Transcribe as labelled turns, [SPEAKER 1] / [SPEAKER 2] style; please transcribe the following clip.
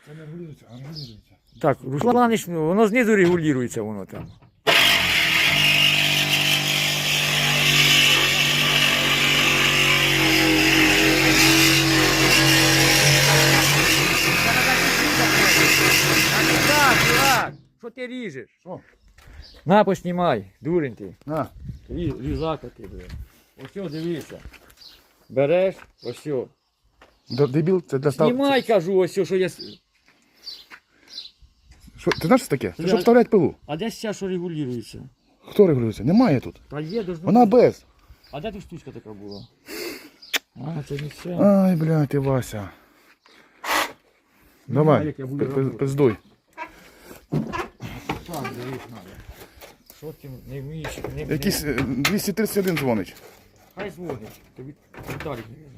[SPEAKER 1] Це не регулюється, а регулюється.
[SPEAKER 2] Так, Руслан, воно знизу регулюється воно там. Так, чувак, що ти ріжеш?
[SPEAKER 1] Що?
[SPEAKER 2] На, поснімай, дурень ти.
[SPEAKER 1] На.
[SPEAKER 2] Різака ти, блин. Ось о, дивися. Береш, ось о.
[SPEAKER 1] Дебіл, це для став...
[SPEAKER 2] Знімай, кажу, ось о, що я...
[SPEAKER 1] Що, ти знаєш, що таке? Це
[SPEAKER 2] Я-
[SPEAKER 1] щоб вставляти пилу.
[SPEAKER 2] А де ця, що регулюється?
[SPEAKER 1] Хто регулюється? Немає тут.
[SPEAKER 2] Та є, должно
[SPEAKER 1] Вона
[SPEAKER 2] бути.
[SPEAKER 1] без.
[SPEAKER 2] А де тут штучка така була? А, це не все.
[SPEAKER 1] Ай, блядь, ти Вася. Давай,
[SPEAKER 2] як я буду робити.
[SPEAKER 1] пиздуй.
[SPEAKER 2] Так, дивись, надо. Що ти не вмієш? Не,
[SPEAKER 1] Якийсь 231 дзвонить.
[SPEAKER 2] Хай дзвонить. Тобі Віталік не